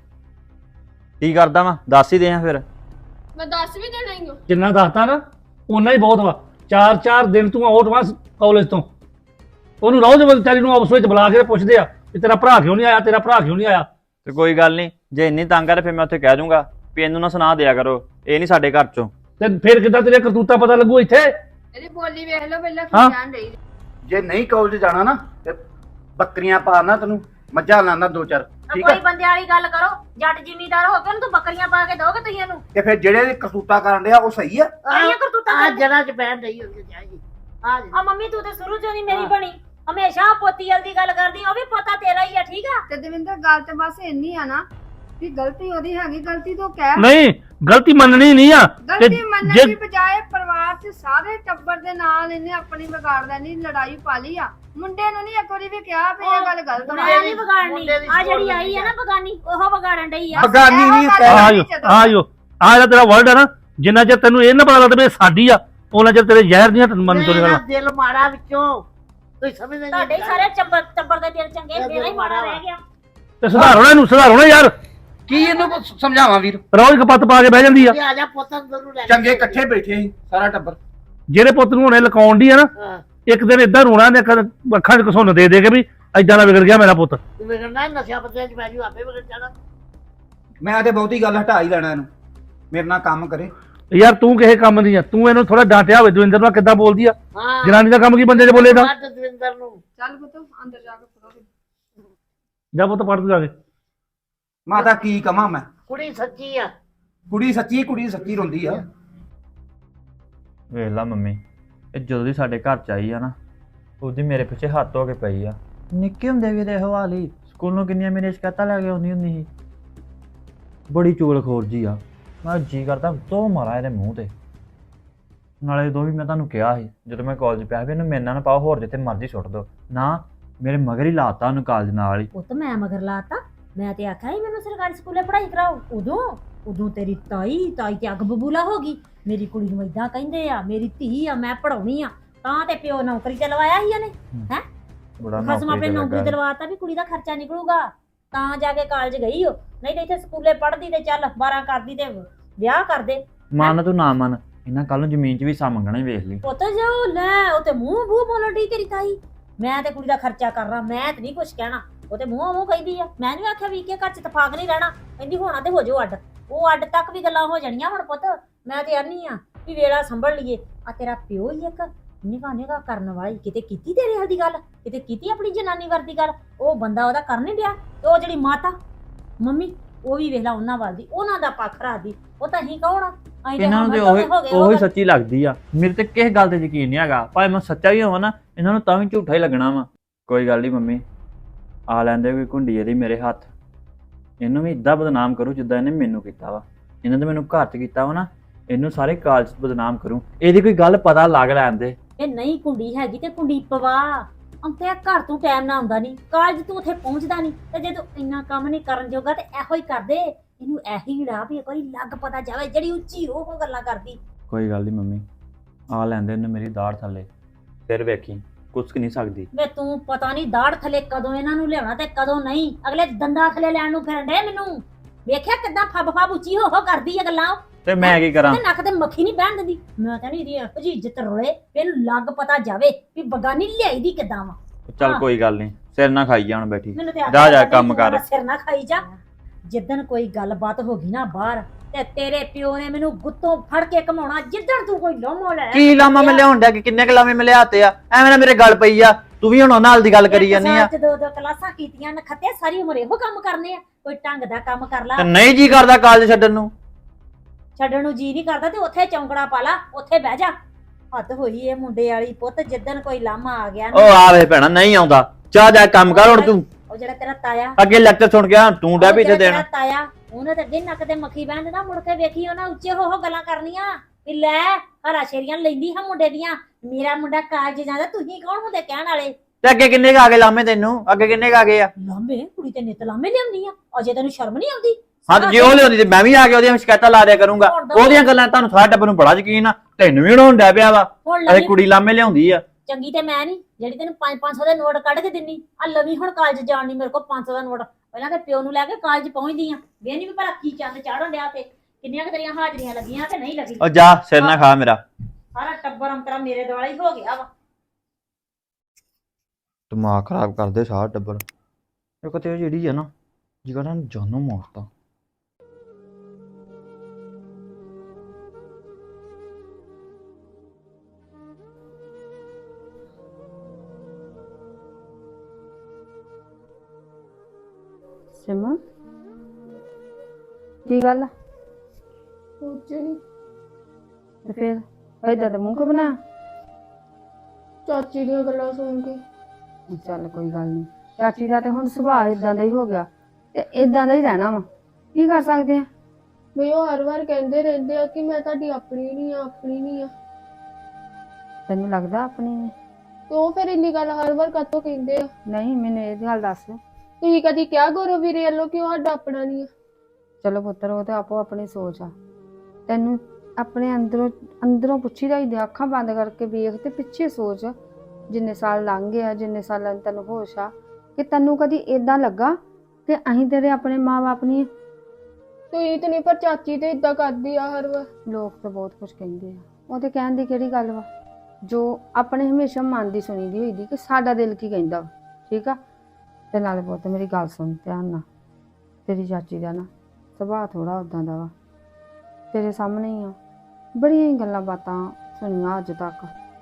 ਕੀ ਕਰਦਾ ਵਾ? ਦੱਸ ਹੀ ਦੇ ਆ ਫਿਰ। ਮੈਂ ਦੱਸ ਵੀ ਦੇਣਾ ਹੀ ਹਾਂ। ਜਿੰਨਾ ਦੱਸਦਾ ਨਾ ਓਨਾ ਹੀ ਬਹੁਤ ਵਾ। 4-4 ਦਿਨ ਤੂੰ ਆਊਟ ਵਾ ਕਾਲਜ ਤੋਂ। ਉਹਨੂੰ ਰੋਜ਼ ਵਿਚਾਰੀ ਨੂੰ ਆਪਸ ਵਿੱਚ ਬੁਲਾ ਕੇ ਪੁੱਛਦੇ ਆ ਕਿ ਤੇਰਾ ਭਰਾ ਕਿਉਂ ਨਹੀਂ ਆਇਆ, ਤੇਰਾ ਭਰਾ ਕਿਉਂ ਨਹੀਂ ਆਇਆ। ਤੇ ਕੋਈ ਗੱਲ ਨਹੀਂ, ਜੇ ਇੰਨੀ ਤੰਗ ਆ ਫਿਰ ਮੈਂ ਉੱਥੇ ਕਹਿ ਦੂੰਗਾ ਵੀ ਇਹਨੂੰ ਨਾ ਸੁਣਾ ਦਿਆ ਕਰੋ, ਇਹ ਨਹੀਂ ਸਾਡੇ ਘਰ ਚੋਂ। ਤੇ ਫਿਰ ਕਿੱਦਾਂ ਤੇਰੇ ਕਰਤੂਤਾ ਪਤਾ ਲੱਗੂ ਇੱਥੇ? ਇਹਦੀ ਬੋਲੀ ਵੇਖ ਲਓ ਪਹਿਲਾਂ ਹਾਂ। ਕੀ ਕਹਿਣ ਡਈ। ਜੇ ਨਹੀਂ ਕਾਲਜ ਜਾਣਾ ਨਾ ਤੇ ਬੱਕਰੀਆਂ ਪਾਣਾ ਤੈਨੂੰ, ਮੱਝਾਂ ਲਾਣਾ 2-4 ਠੀਕ ਕੋਈ ਆ। ਬੰਦੇ ਵਾਲੀ ਗੱਲ ਕਰੋ। ਜੱਟ ਜ਼ਿਮੀਂਦਾਰ ਹੋ ਕੇ ਉਹਨੂੰ ਤੂੰ ਬੱਕਰੀਆਂ ਪਾ ਕੇ ਦੋਗੇ ਤੁਸੀਂ ਇਹਨੂੰ? ਤੇ ਫਿਰ ਜਿਹੜੇ ਕਰਤੂਤਾ ਕਰਨ ਡਿਆ ਉਹ ਸਹੀ ਆ? ਕਿਹੜੀਆਂ ਕਰਤੂਤਾਂ ਆ ਕਰਦੇ? ਜਰਾ ਚ ਬੈਠ ਰਹੀ ਹੋਗੀ ਜਾਈ ਆ ਆ ਮੰਮੀ ਤੂੰ ਤੇ ਸ਼ੁਰੂ ਤੋਂ ਨਹੀਂ ਮੇਰੀ ਬਣੀ। ਹਮੇਸ਼ਾ ਪੋਤੀ ਵਾਲੀ ਦੀ ਗੱਲ ਕਰਦੀ। ਉਹ ਵੀ ਪੋਤਾ ਤੇਰਾ ਹੀ ਆ, ਠੀਕ ਆ? ਤੇ ਦਵਿੰਦਰ ਗੱਲ ਤੇ ਬਸ ਇੰਨੀ ਆ ਨਾ ਵੀ ਗਲਤੀ ਉਹਦੀ ਹੈਗੀ, ਗਲਤੀ ਤੋਂ ਕਹਿ। ਨਹੀਂ, ਗਲਤੀ ਮੰਨਣੀ ਨਹੀਂ ਆ। ਗਲਤੀ ਮੰਨਣ ਦੀ ਬਜਾਏ ਪਰਿਵਾਰ 'ਚ ਸਾਰੇ ਟੱਬਰ ਦੇ ਨਾਲ ਇਹਨੇ ਆਪਣੀ ਵਿਗਾੜ ਲੈਣੀ, ਲੜਾਈ ਪਾ ਲਈ ਆ। ਮੁੰਡੇ ਨੂੰ ਨਹੀਂ ਇੱਕ ਵਾਰੀ ਵੀ ਕਿਹਾ ਵੀ ਇਹ ਗੱਲ ਗਲਤ ਵਾ। ਮੈਂ ਨਹੀਂ ਵਿਗਾੜਨੀ। ਆ ਜਿਹੜੀ ਆਈ ਆ ਨਾ ਬਗਾਨੀ, ਉਹ ਵਿਗਾੜਨ ਡਈ ਆ। ਬਗਾਨੀ ਨਹੀਂ ਆਜੋ ਆਜੋ ਆ ਜਿਹੜਾ ਤੇਰਾ ਵਰਡ ਆ ਨਾ, ਜਿੰਨਾ ਚਿਰ ਤੈਨੂੰ ਇਹ ਨਾ ਪਤਾ ਲੱਗਦਾ ਵੀ ਇਹ ਸਾਡੀ ਆ, ਉਹਨਾਂ ਚਿਰ ਤੇਰੇ ਜ਼ਹਿਰ ਦੀਆਂ ਮਨ ਤੋਂ ਮੇਰਾ ਨਿਕਲਣਾ। ਦਿਲ ਮਾੜਾ ਵਿੱਚੋਂ ਕੋਈ ਸਮਝ ਨਹੀਂ ਤੁਹਾਡੇ ਹੀ ਸਾਰੇ ਟੱਬਰ ਦੇ ਦਿਲ ਚੰਗੇ, ਮੇਰਾ ਹੀ ਮਾੜਾ ਰਹਿ ਗਿਆ। ਤੇ ਸੁਧਾਰੋ ਨਾ ਇਹਨੂੰ, ਸੁਧਾਰੋ ਨਾ ਯਾਰ। ਕੀ ਇਹਨੂੰ ਸਮਝਾਵਾਂ ਵੀਰ? ਰੋਜ਼ ਕਪੱਤ ਪਾ ਕੇ ਬਹਿ ਜਾਂਦੀ ਆ। ਆ ਜਾ ਪੁੱਤਾਂ ਜ਼ਰੂਰ ਲੈ ਚੰਗੇ ਇਕੱਠੇ ਬੈਠੇ ਸੀ ਸਾਰਾ ਟੱਬਰ। ਜਿਹੜੇ ਪੁੱਤ ਨੂੰ ਹੁਣੇ ਲਕਾਉਣ ਦੀ ਆ ਨਾ, ਹਾਂ ਇੱਕ ਦਿਨ ਇਦਾਂ ਰੋਣਾ ਨੇ ਅੱਖਾਂ 'ਚ ਘਸੁੰਨ ਦੇ ਦੇ ਕੇ ਵੀ ਏਦਾਂ ਦਾ ਵਿਗੜ ਗਿਆ ਮੇਰਾ ਪੁੱਤ। ਤੂੰ ਵਿਗੜਨਾ ਨਸ਼ਿਆਂ ਪੱਤਿਆਂ ਚ ਪੈ ਜੂ, ਆਪੇ ਵਿਗੜ ਜਾਣਾ। ਮੈਂ ਤੇ ਬਹੁਤੀ ਗੱਲ ਹਟਾ ਹੀ ਲੈਣਾ ਇਹਨੂੰ, ਮੇਰੇ ਨਾਲ ਕੰਮ ਕਰੇ। ਯਾਰ ਤੂੰ ਕਿਸੇ ਕੰਮ ਦੀ ਆ, ਤੂੰ ਇਹਨੂੰ ਥੋੜਾ ਡਾਂਟਿਆ ਹੋਵੇ। ਦਵਿੰਦਰ ਨਾਲ ਕਿੱਦਾਂ ਬੋਲਦੀ ਆ? ਹਾਂ ਜਨਾਨੀ ਦਾ ਕੰਮ ਕੀ ਬੰਦੇ 'ਚ ਬੋਲੇਗਾ? ਮਾਰ ਦਵਿੰਦਰ ਨੂੰ। ਚੱਲ ਪੁੱਤ ਅੰਦਰ ਜਾ ਕੇ ਫੜੋ। ਜਾ ਪੁੱਤ ਪੜ ਤੂੰ ਜਾ ਕੇ। ਮਾਤਾ ਕੀ ਕਵਾਂ ਮੈਂ? ਕੁੜੀ ਸੱਚੀ ਆ। ਕੁੜੀ ਸੱਚੀ ਰੋਂਦੀ ਆ। ਵੇਖ ਲਾ ਮੰਮੀ, ਇਹ ਜਦੋਂ ਦੀ ਸਾਡੇ ਘਰ ਚ ਆਈ ਆ ਨਾ, ਉਹਦੀ ਮੇਰੇ ਪਿੱਛੇ ਹੱਥ ਹੋ ਕੇ ਪਈ ਆ। ਨਿੱਕੇ ਹੁੰਦੇ ਵੀ ਇਹਦੇ ਹਵਾਲੀ ਸਕੂਲੋਂ ਕਿੰਨੀਆਂ ਮੇਰੀਆਂ ਸ਼ਿਕਾਇਤਾਂ ਲੈ ਕੇ ਆਉਂਦੀ ਹੁੰਦੀ ਸੀ। ਬੜੀ ਚੁਗਲਖੋਰ ਜੀ ਆ। ਮੈਂ ਜੀ ਕਰਦਾ ਦੋ ਮਾਰਾਂ ਇਹਦੇ ਮੂੰਹ ਤੇ। ਨਾਲੇ ਦੋ ਵੀ ਮੈਂ ਤੁਹਾਨੂੰ ਕਿਹਾ ਸੀ ਜਦੋਂ ਮੈਂ ਕਾਲਜ ਪਿਆ ਵੀ ਇਹਨੂੰ ਮੇਰੇ ਨਾਲ ਨਾ ਪਾਓ, ਹੋਰ ਜਿੱਥੇ ਮਰਜ਼ੀ ਸੁੱਟ ਦਿਓ ਨਾ। ਮੇਰੇ ਮਗਰ ਹੀ ਲਾਤਾ ਉਹਨੂੰ ਕਾਲਜ ਨਾਲ ਹੀ। ਪੁੱਤ ਮੈਂ ਮਗਰ ਲਾਤਾ? ਮੈਂ ਤੇ ਆਖਿਆ ਸੀ ਮੈਨੂੰ ਸਰਕਾਰੀ ਸਕੂਲੇ ਪੜ੍ਹਾਈ ਕਰਾਓ। ਉਦੋਂ ਤੇਰੀ ਤਾਈ ਤੇ ਅੱਗ ਬਬੂਲਾ ਹੋ ਗਈ। ਮੇਰੀ ਕੁੜੀ ਨੂੰ ਏਦਾਂ ਕਹਿੰਦੇ ਆ, ਮੇਰੀ ਧੀ ਆ, ਮੈਂ ਪੜਾਉਣੀ ਆ। ਤਾਂ ਤੇ ਪਿਓ ਨੌਕਰੀ ਤੇ ਲਵਾਇਆ ਸੀ ਇਹਨੇ। ਹੈ ਬੜਾ ਖਸਮ ਆਪਣੇ ਨੌਕਰੀ ਤੇ ਲਵਾਤਾ ਵੀ ਕੁੜੀ ਦਾ ਖਰਚਾ ਨਿਕਲੂਗਾ, ਤਾਂ ਜਾ ਕੇ ਕਾਲਜ ਗਈ ਹੋ। ਨਹੀਂ ਤੇ ਇੱਥੇ ਸਕੂਲੇ ਪੜ੍ਹਦੀ ਤੇ ਚੱਲ 12 ਕਰਦੀ ਤੇ ਵਿਆਹ ਕਰਦੇ। ਮੰਨ ਤੂੰ ਨਾ ਮੰਨ, ਇਹਨਾਂ ਕੱਲ ਨੂੰ ਜ਼ਮੀਨ 'ਚ ਵੀ ਹਿੱਸਾ ਮੰਗਣਾ ਹੀ ਵੇਖ ਲਈ। ਪੁੱਤ ਜੋ ਲੈ ਉਹ ਤੇ ਮੂੰਹ ਬੋਲਣ ਡਈ ਤੇਰੀ ਤਾਈ। ਮੈਂ ਤੇ ਕੁੜੀ ਦਾ ਖਰਚਾ ਕਰਨਾ, ਮੈਂ ਤੇ ਨਹੀਂ ਕੁਛ ਕਹਿਣਾ। ਉਹ ਤੇ ਮੂੰਹ ਕਹਿੰਦੀ ਆ। ਮੈਂ ਨਹੀਂ ਆਖਿਆ ਵੀ ਕਿ ਘਰ 'ਚ ਤਫਾਕ ਨਹੀਂ ਰਹਿਣਾ। ਕਹਿੰਦੀ ਹੋਣਾ ਤੇ ਹੋ ਜਾਓ ਅੱਡ। ਉਹ ਅੱਡ ਤੱਕ ਵੀ ਗੱਲਾਂ ਹੋ ਜਾਣੀਆਂ ਹੁਣ ਪੁੱਤ। ਮੈਂ ਤੇ ਆਨੀ ਆ ਵੀ ਵੇਲਾ ਸੰਭਲ ਲਈਏ। ਆ ਤੇਰਾ ਪਿਓ ਹੀ ਇੱਕ ਨਿਗਾਹ ਕਰਨ ਵਾਲੀ, ਕਿਤੇ ਕੀਤੀ ਤੇਰੇ ਹਲ ਦੀ ਗੱਲ, ਕਿਤੇ ਕੀਤੀ ਆਪਣੀ ਜਨਾਨੀ ਵਰਦੀ ਗੱਲ। ਉਹ ਬੰਦਾ ਉਹਦਾ ਕਰ ਨਹੀਂ ਡਿਆ। ਤੇ ਉਹ ਜਿਹੜੀ ਮਾਤਾ ਮੰਮੀ, ਉਹ ਵੀ ਵੇਖ ਲਾ ਉਹਨਾਂ ਵੱਲ ਦੀ, ਉਹਨਾਂ ਦਾ ਪੱਖ ਰੱਖਦੀ। ਉਹ ਤਾਂ ਅਸੀਂ ਕੌਣ ਆ? ਅਸੀਂ ਇਹਨਾਂ ਨੂੰ ਤੇ ਉਹੀ ਸੱਚੀ ਲੱਗਦੀ ਆ। ਮੇਰੇ ਤੇ ਕਿਸੇ ਗੱਲ ਤੇ ਯਕੀਨ ਨਹੀਂ ਹੈਗਾ। ਭਾਵੇਂ ਮੈਂ ਸੱਚਾ ਵੀ ਹੋਵਾਂ ਨਾ, ਇਹਨਾਂ ਨੂੰ ਤਾਂ ਵੀ ਝੂਠਾ ਹੀ ਲੱਗਣਾ ਵਾ। ਕੋਈ ਗੱਲ ਨਹੀਂ ਮੰਮੀ, ਆ ਲੈਂਦੇ ਕੋਈ ਘੁੰਡੀ ਇਹਦੀ ਮੇਰੇ ਹੱਥ। ਇਹਨੂੰ ਵੀ ਇਦਾਂ ਬਦਨਾਮ ਕਰੂ ਜਿੱਦਾਂ ਇਹਨੇ ਮੈਨੂੰ ਕੀਤਾ ਵਾ। ਇਹਨਾਂ ਨੇ ਮੈਨੂੰ ਘਰ 'ਚ ਕੀਤਾ ਵਾ ਨਾ, ਇਹਨੂੰ ਸਾਰੇ ਕਾਲਜ 'ਚ ਬਦਨਾਮ ਕਰੂੰ। ਇਹਦੀ ਕੋਈ ਗੱਲ ਪਤਾ ਲੱਗ ਲੈਣ ਦੇ। ਇਹ ਨਹੀਂ ਕੁੰਡੀ ਹੈਗੀ ਤੇ ਕੁੰਡੀ ਪਵਾ। ਅੰਤੇ ਘਰ ਤੋਂ ਟਾਈਮ ਨਾ ਆਉਂਦਾ ਨਹੀਂ, ਕਾਲਜ ਤੂੰ ਉੱਥੇ ਪਹੁੰਚਦਾ ਨਹੀਂ, ਤੇ ਜੇ ਤੂੰ ਇੰਨਾ ਕੰਮ ਨਹੀਂ ਕਰਨ ਜੋਗਾ ਤੇ ਇਹੋ ਹੀ ਕਰਦੇ। ਇਹਨੂੰ ਇਹੀ ੜਾ ਵੀ ਕੋਈ ਲੱਗ ਪਤਾ ਜਾਵੇ, ਜਿਹੜੀ ਉੱਚੀ ਉਹ ਗੱਲਾਂ ਕਰਦੀ। ਕੋਈ ਗੱਲ ਨਹੀਂ ਮੰਮੀ, ਆ ਲੈਂਦੇ ਇਹਨੂੰ ਮੇਰੀ ਦਾੜ ਥੱਲੇ, ਫਿਰ ਵੇਖੀ ਕੁਛ ਨਹੀਂ ਸਕਦੀ। ਵੇ ਤੂੰ ਪਤਾ ਨਹੀਂ ਦਾੜ ਥੱਲੇ ਕਦੋਂ ਇਹਨਾਂ ਨੂੰ ਲਿਆਉਣਾ ਤੇ ਕਦੋਂ ਨਹੀਂ। ਅਗਲੇ ਦੰਦਾਂ ਥੱਲੇ ਲੈਣ ਨੂੰ ਫਿਰਨ ਡੇ। ਮੈਨੂੰ ਵੇਖਿਆ ਕਿੱਦਾਂ ਫੱਬ ਫੱਬ ਉੱਚੀ ਹੋ ਕਰਦੀ ਆ ਗੱਲਾਂ। ਤੇ ਮੈਂ ਕੀ ਕਰਾਂ? ਤੇ ਨੱਕ ਤੇ ਮੱਖੀ ਨਹੀਂ ਬਹਿਣ ਦਿੰਦੀ। ਮੈਂ ਤਾਂ ਨਹੀਂ ਇਹਦੀ ਇਹੋ ਜਿਹੀ ਇੱਜ਼ਤ ਰੋਲੇ ਵੀ ਇਹਨੂੰ ਲੱਗ ਪਤਾ ਜਾਵੇ ਵੀ ਬਗਾਨੀ ਲਿਆਈ ਦੀ ਕਿੱਦਾਂ ਵਾ। ਚੱਲ ਕੋਈ ਗੱਲ ਨਹੀਂ, ਸਿਰ ਨਾ ਖਾਈ ਜਾ ਹੁਣ ਬੈਠੀ। ਮੈਨੂੰ ਤੇ ਜਾ ਜਾ ਕੰਮ ਕਰ। ਸਿਰ ਨਾ ਖਾਈ ਜਾ। ਜਿੱਦਣ ਕੋਈ ਗੱਲਬਾਤ ਹੋ ਗਈ ਨਾ ਬਾਹਰ, ਤੇ ਤੇਰੇ ਪਿਓ ਨੇ ਮੈਨੂੰ ਗੁੱਤੋਂ ਫੜ ਕੇ ਘਮਾਉਣਾ। ਜਿੱਦਣ ਤੂੰ ਕੋਈ ਲੋਮੋ ਲੈ ਕੀ ਲਾਮਾ ਮੈਂ ਲਿਆਉਣ ਡਿਆ ਕਿ ਕਿੰਨੇ ਕੁ ਲਾਮੇ ਮੈਂ ਲਿਆਤੇ ਆ? ਐਵੇਂ ਨਾ ਮੇਰੇ ਗੱਲ ਪਈ ਆ, ਤੂੰ ਵੀ ਹੁਣ ਉਹਨਾਂ ਨਾਲ ਦੀ ਗੱਲ ਕਰੀ ਜਾਂਦੀ ਆ। ਦੋ ਦੋ ਕਲਾਸਾਂ ਕੀਤੀਆਂ ਨਖੱਤੇ, ਸਾਰੀ ਉਮਰ ਇਹੋ ਕੰਮ ਕਰਨੇ ਆ। ਕੋਈ ਢੰਗ ਦਾ ਕੰਮ ਕਰ ਲਾ। ਤੇ ਨਹੀਂ ਜੀ ਕਰਦਾ ਕਾਲਜ ਛੱਡਣ ਨੂੰ। ਛੱਡਣ ਨੂੰ ਜੀ ਨਹੀਂ ਕਰਦਾ ਤੇ ਉੱਥੇ ਚੌਂਕੜਾ ਪਾ ਲਾ, ਉੱਥੇ ਬਹਿ ਜਾ। ਹੱਦ ਹੋਈ ਇਹ ਮੁੰਡੇ ਵਾਲੀ। ਪੁੱਤ ਜਿੱਦਣ ਕੋਈ ਲਾਮਾ ਆ ਗਿਆ ਨਾ, ਉਹ ਆਵੇ ਭੈਣਾ ਨਹੀਂ ਆਉਂਦਾ। ਜਾ ਜਾ ਕੰਮ ਕਰ ਹੁਣ ਤੂੰ। ਉਹ ਜਿਹੜਾ ਤੇਰਾ ਤਾਇਆ, ਅੱਗੇ ਲੈਕਚਰ ਸੁਣ ਗਿਆ, ਤੂੰ ਡੈ ਵੀ ਇੱਥੇ ਉਹ ਜਿਹੜਾ ਦੇਣਾ। ਤੇਰਾ ਤਾਇਆ, ਉਹਨੇ ਤਾਂ ਅੱਗੇ ਨੱਕ ਤੇ ਮੱਖੀ ਬਹਿਣ ਦੇਣਾ। ਮੁੜ ਕੇ ਵੇਖੀ ਉਹਨਾਂ ਉੱਚੇ ਹੋ ਗੱਲਾਂ ਕਰਨੀਆਂ ਵੀ ਲੈ ਹਰਾ ਸ਼ੇਰੀਆਂ ਲੈਂਦੀ ਹਾਂ ਮੁੰਡੇ ਦੀਆਂ। ਮੇਰਾ ਮੁੰਡਾ ਕਾਲਜ ਜਾਂਦਾ, ਤੁਸੀਂ ਕੌਣ ਹੁੰਦੇ ਕਹਿਣ ਵਾਲੇ? ਤੇ ਅੱਗੇ ਕਿੰਨੇ ਕੁ ਆ ਗਏ ਲਾਮੇ ਤੈਨੂੰ? ਅੱਗੇ ਕਿੰਨੇ ਕੁ ਆ ਗਏ ਆ? ਲਾਂਬੇ ਕੁੜੀ ਤੇ ਨਿਤ ਲਾਂਬੇ ਲਿਆਉਂਦੀ ਆ। ਅਜੇ ਤੈਨੂੰ ਸ਼ਰਮ ਨਹੀਂ ਆਉਂਦੀ? ਹਾਂ ਤੇ ਜੇ ਉਹ ਲਿਆਉਂਦੀ ਤੇ ਮੈਂ ਵੀ ਆ ਕੇ ਉਹਦੀਆਂ ਸ਼ਿਕਾਇਤਾਂ ਲਾ ਦਿਆ ਕਰੂੰਗਾ। ਉਹਦੀਆਂ ਗੱਲਾਂ ਤੁਹਾਨੂੰ ਸਾਰਾ ਟੱਬਰ ਨੂੰ ਬੜਾ ਯਕੀਨ ਆ, ਤੈਨੂੰ ਵੀ ਹੁਣ ਡੈ ਪਿਆ ਵਾ। ਹੁਣ ਅਰੇ ਲਵੀ ਕੁੜੀ ਲਾਮੇ ਲਿਆਉਂਦੀ ਆ। ਚੰਗੀ ਤੇ ਮੈਂ ਨਹੀਂ ਜਿਹੜੀ ਤੈਨੂੰ 500 ਦੇ ਨੋਟ ਕੱਢ ਕੇ ਦਿੰਨੀ ਆ। ਲਵੀ ਹੁਣ ਕਾਲਜ ਜਾਣ ਨਹੀਂ ਮੇਰੇ ਕੋਲ 500 ਦਾ ਨੋਟ। ਪਹਿਲਾਂ ਤੇ ਪਿਓ ਨੂੰ ਲੈ ਕੇ ਕਾਲਜ ਪਹੁੰਚਦੀ ਆ। ਵੇਹਨੀ ਵੀ ਭਲਾ ਕੀ ਚੰਦ ਚਾੜਨ ਡਿਆ ਤੇ ਕਿੰਨੀਆਂ ਕੁ ਤੇਰੀਆਂ ਹਾਜ਼ਰੀਆਂ ਲੱਗੀਆਂ ਤੇ ਨਹੀਂ ਲੱਗੀ। ਉਹ ਜਾ ਸਿਰ ਨਾ ਖਾ ਮੇਰਾ। ਸਾਰਾ ਟੱਬਰ ਅੰਤਰਾ ਮੇਰੇ ਦੁਆਲਾ ਹੀ ਹੋ ਗਿਆ ਵਾ। ਦਿਮਾਗ ਖਰਾਬ ਕਰਦੇ ਸਾਰਾ ਟੱਬਰ। ਇੱਕ ਤੇ ਉਹ ਜਿਹੜੀ ਆ ਨਾ, ਜਿਹੜਾ ਜਾਨੋਂ ਮਾਰਤਾ। ਸਿਮਾ ਕੀ ਗੱਲ ਆ? ਕੁਝ ਨਹੀਂ। ਤੇ ਫਿਰ ਏਦਾਂ ਦਾ ਮੂੰਹ ਕਿਉਂ ਬਣਾ? ਚਾਚੀ ਦੀਆਂ ਗੱਲਾਂ ਸੁਣ ਕੇ। ਚੱਲ ਕੋਈ ਗੱਲ ਨਹੀਂ, ਚਾਚੀ ਦਾ ਤੇ ਹੁਣ ਸੁਭਾਅ ਇਦਾਂ ਦਾ ਹੀ ਹੋ ਗਿਆ ਤੇ ਇਦਾਂ ਦਾ ਹੀ ਰਹਿਣਾ ਵਾ। ਕੀ ਕਰ ਸਕਦੇ ਆ? ਵੀ ਉਹ ਹਰ ਵਾਰ ਕਹਿੰਦੇ ਰਹਿੰਦੇ ਆ ਕਿ ਮੈਂ ਤੁਹਾਡੀ ਆਪਣੀ ਨਹੀਂ ਆ, ਆਪਣੀ ਨਹੀਂ ਆ। ਤੈਨੂੰ ਲੱਗਦਾ ਆਪਣੀ ਨੇ? ਤੇ ਉਹ ਫਿਰ ਇੰਨੀ ਗੱਲ ਹਰ ਵਾਰ ਕਾਤੋਂ ਕਹਿੰਦੇ ਆ? ਨਹੀਂ, ਮੈਨੂੰ ਇਹ ਗੱਲ ਦੱਸ। ਤੁਸੀਂ ਕਦੀ ਕਿਹਾ ਗੌਰਵ ਵੀਰੇ ਵੱਲੋਂ ਕਿ ਉਹ ਸਾਡਾ ਆਪਣਾ ਨਹੀਂ ਆ? ਚਲੋ ਪੁੱਤਰ, ਉਹ ਤੇ ਆਪੋ ਆਪਣੀ ਸੋਚ ਆ। ਤੈਨੂੰ ਆਪਣੇ ਅੰਦਰੋਂ ਪੁੱਛੀਦਾ ਹੀ, ਅੱਖਾਂ ਬੰਦ ਕਰਕੇ ਵੇਖ ਤੇ ਪਿੱਛੇ ਸੋਚ। ਜਿੰਨੇ ਸਾਲ ਲੰਘ ਗਏ ਆ, ਜਿੰਨੇ ਸਾਲਾਂ ਨੂੰ ਤੈਨੂੰ ਹੋਸ਼ ਆ, ਕਿ ਤੈਨੂੰ ਕਦੀ ਇਦਾਂ ਲੱਗਾ ਕਿ ਅਸੀਂ ਤੇਰੇ ਆਪਣੇ ਮਾਂ-ਬਾਪ ਨਹੀਂ? ਤੁਸੀਂ ਤੇ ਨਹੀਂ, ਪਰ ਚਾਚੀ ਤੇ ਇਦਾਂ ਕਰਦੀ ਆ ਹਰ ਵਾਰ। ਲੋਕ ਤਾਂ ਬਹੁਤ ਕੁਝ ਕਹਿੰਦੇ ਆ, ਉਹ ਤੇ ਕਹਿਣ ਦੀ ਕਿਹੜੀ ਗੱਲ ਵਾ? ਜੋ ਆਪਣੇ ਹਮੇਸ਼ਾ ਮਨ ਦੀ ਸੁਣੀ ਦੀ ਹੋਈ ਦੀ ਕਿ ਸਾਡਾ ਦਿਲ ਕੀ ਕਹਿੰਦਾ ਵਾ। ਠੀਕ ਆ? ਤੇ ਨਾਲੇ ਪੁੱਤ ਮੇਰੀ ਗੱਲ ਸੁਣ ਧਿਆਨ ਨਾਲ। ਤੇਰੀ ਚਾਚੀ ਦਾ ਨਾ ਸੁਭਾਅ ਥੋੜਾ ਉਦਾਂ ਦਾ ਵਾ, ਤੇਰੇ ਸਾਹਮਣੇ ਹੀ ਆ। ਬੜੀਆਂ ਹੀ ਗੱਲਾਂ ਬਾਤਾਂ ਸੁਣੀਆਂ ਅੱਜ ਤੱਕ।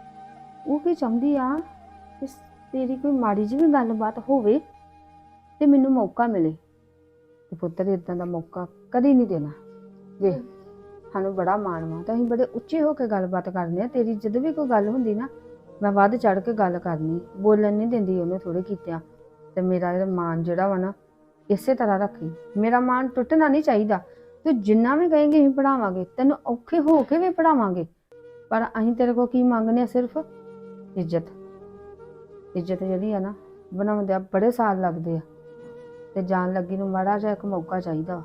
ਉਹ ਕੀ ਚਾਹੁੰਦੀ ਆ ਕਿ ਤੇਰੀ ਕੋਈ ਮਾੜੀ ਜਿਹੀ ਵੀ ਗੱਲਬਾਤ ਹੋਵੇ ਤੇ ਮੈਨੂੰ ਮੌਕਾ ਮਿਲੇ। ਤੇ ਪੁੱਤਰ ਇਦਾਂ ਦਾ ਮੌਕਾ ਕਦੀ ਨਹੀਂ ਦੇਣਾ। ਵੇਖ, ਸਾਨੂੰ ਬੜਾ ਮਾਣ ਵਾ ਤਾਂ ਅਸੀਂ ਬੜੇ ਉੱਚੇ ਹੋ ਕੇ ਗੱਲਬਾਤ ਕਰਦੇ ਆ। ਤੇਰੀ ਜਦੋਂ ਵੀ ਕੋਈ ਗੱਲ ਹੁੰਦੀ ਨਾ, ਮੈਂ ਵੱਧ ਚੜ ਕੇ ਗੱਲ ਕਰਨੀ, ਬੋਲਣ ਨਹੀਂ ਦਿੰਦੀ ਉਹਨੇ ਥੋੜੇ ਕੀਤਿਆਂ। ਤੇ ਮੇਰਾ ਇਹ ਮਾਣ ਜਿਹੜਾ ਵਾ ਨਾ, ਇਸੇ ਤਰ੍ਹਾਂ ਰੱਖੀ। ਮੇਰਾ ਮਾਣ ਟੁੱਟਣਾ ਨਹੀਂ ਚਾਹੀਦਾ। ਤੂੰ ਜਿੰਨਾ ਵੀ ਕਹੇਂਗੀ ਅਸੀਂ ਪੜਾਵਾਂਗੇ, ਤੈਨੂੰ ਔਖੇ ਹੋ ਕੇ ਵੀ ਪੜਾਵਾਂਗੇ। ਪਰ ਅਸੀਂ ਤੇਰੇ ਕੋਲ ਕੀ ਮੰਗਨੇ ਆ? ਸਿਰਫ ਇੱਜ਼ਤ। ਇੱਜ਼ਤ ਜਿਹੜੀ ਆ ਨਾ, ਬਣਾਉਂਦਿਆਂ ਬੜੇ ਸਾਲ ਲੱਗਦੇ ਆ ਤੇ ਜਾਣ ਲੱਗੀ ਨੂੰ ਮਾੜਾ ਜਿਹਾ ਇੱਕ ਮੌਕਾ ਚਾਹੀਦਾ ਵਾ।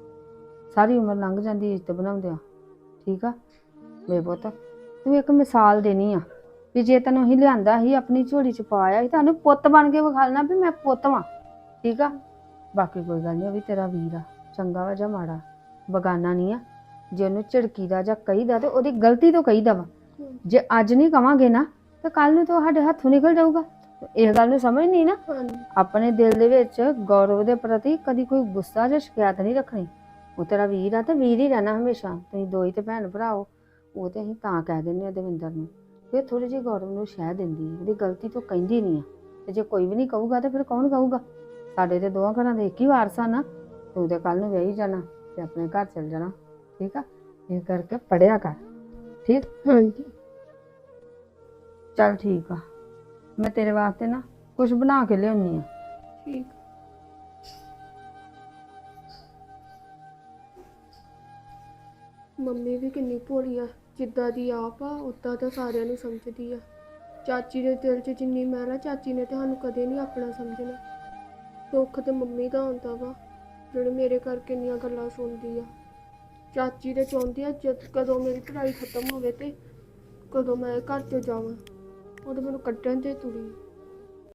ਸਾਰੀ ਉਮਰ ਲੰਘ ਜਾਂਦੀ ਇੱਜ਼ਤ ਬਣਾਉਂਦਿਆਂ। ਠੀਕ ਆ? ਮੇਰੇ ਪੁੱਤ, ਤੂੰ ਇੱਕ ਮਿਸਾਲ ਦੇਣੀ ਆ ਵੀ ਜੇ ਤੈਨੂੰ ਅਸੀਂ ਲਿਆਂਦਾ ਸੀ, ਆਪਣੀ ਝੋਲੀ ਚ ਪਾਇਆ ਸੀ, ਤੁਹਾਨੂੰ ਪੁੱਤ ਬਣ ਕੇ ਵਿਖਾਲਣਾ ਵੀ ਮੈਂ ਪੁੱਤ ਵਾਂ। ਠੀਕ ਆ? ਬਾਕੀ ਕੋਈ ਗੱਲ ਨਹੀਂ, ਉਹ ਵੀ ਤੇਰਾ ਵੀਰ ਆ, ਚੰਗਾ ਵਾ ਜਾਂ ਮਾੜਾ, ਬਗਾਨਾ ਨਹੀਂ ਆ। ਜੇ ਉਹਨੂੰ ਝਿੜਕੀਦਾ ਜਾਂ ਕਹੀਦਾ ਤੇ ਉਹਦੀ ਗਲਤੀ ਤੋਂ ਕਹੀਦਾ ਵਾ। ਜੇ ਅੱਜ ਨਹੀਂ ਕਵਾਂਗੇ ਨਾ ਤਾਂ ਕੱਲ ਨੂੰ ਤਾਂ ਸਾਡੇ ਹੱਥੋਂ ਨਿਕਲ ਜਾਊਗਾ। ਇਹ ਗੱਲ ਨੂੰ ਸਮਝ ਨਹੀਂ ਨਾ। ਆਪਣੇ ਦਿਲ ਦੇ ਵਿੱਚ ਗੌਰਵ ਦੇ ਪ੍ਰਤੀ ਕਦੀ ਕੋਈ ਗੁੱਸਾ ਜਾਂ ਸ਼ਿਕਾਇਤ ਨਹੀਂ ਰੱਖਣੀ। ਉਹ ਤੇਰਾ ਵੀਰ ਆ ਤੇ ਵੀਰ ਹੀ ਰਹਿਣਾ ਹਮੇਸ਼ਾ। ਤੁਸੀਂ ਦੋ ਹੀ ਤੇ ਭੈਣ ਭਰਾ ਹੋ। ਉਹ ਤੇ ਅਸੀਂ ਤਾਂ ਕਹਿ ਦਿੰਦੇ ਆ ਦਵਿੰਦਰ ਨੂੰ, ਫਿਰ ਥੋੜੀ ਜਿਹੀ ਗੌਰਵ ਨੂੰ ਸ਼ਹਿ ਦਿੰਦੀ, ਉਹਦੀ ਗਲਤੀ ਤੋਂ ਕਹਿੰਦੀ ਨਹੀਂ ਆ। ਤੇ ਜੇ ਕੋਈ ਵੀ ਨਹੀਂ ਕਹੂਗਾ ਤੇ ਫਿਰ ਕੌਣ ਕਹੂਗਾ? ਸਾਡੇ ਤੇ ਦੋਵਾਂ ਘਰਾਂ ਦੇ ਇੱਕ ਹੀ ਵਾਰਸ ਆ ਨਾ। ਤੂੰ ਤੇ ਕੱਲ ਨੂੰ ਵਿਆਹੀ ਜਾਣਾ ਤੇ ਆਪਣੇ ਘਰ ਚਲ ਜਾਣਾ। ਠੀਕ ਆ? ਇਹ ਕਰਕੇ ਪੜਿਆ ਕਰ। ਠੀਕ? ਹਾਂਜੀ। ਚੱਲ ਠੀਕ ਆ, ਮੈਂ ਤੇਰੇ ਵਾਸਤੇ ਨਾ ਕੁਝ ਬਣਾ ਕੇ ਲਿਆਉਣੀ ਆ। ਠੀਕ। ਮੰਮੀ ਵੀ ਕਿੰਨੀ ਭੋਲੀ ਆ, ਜਿੱਦਾਂ ਦੀ ਆਪ ਆ ਉੱਦਾਂ ਤਾਂ ਸਾਰਿਆਂ ਨੂੰ ਸਮਝਦੀ ਆ। ਚਾਚੀ ਦੇ ਦਿਲ 'ਚ ਜਿੰਨੀ ਮੈਲ ਆ, ਚਾਚੀ ਨੇ ਤੁਹਾਨੂੰ ਕਦੇ ਨਹੀਂ ਆਪਣਾ ਸਮਝਣਾ। ਦੁੱਖ ਤੇ ਮੰਮੀ ਦਾ ਹੁੰਦਾ ਵਾ, ਜਿਹੜੇ ਮੇਰੇ ਕਰਕੇ ਇੰਨੀਆਂ ਗੱਲਾਂ ਸੁਣਦੀ ਆ। ਚਾਚੀ ਦੇ ਚਾਹੁੰਦੀ ਆ ਕਦੋਂ ਮੇਰੀ ਪੜ੍ਹਾਈ ਖਤਮ ਹੋਵੇ ਤੇ ਕਦੋਂ ਮੈਂ ਘਰ 'ਚ ਜਾਵਾਂ, ਉਹ ਤਾਂ ਮੈਨੂੰ ਕੱਢਣ ਤੇ ਤੁਰੀ।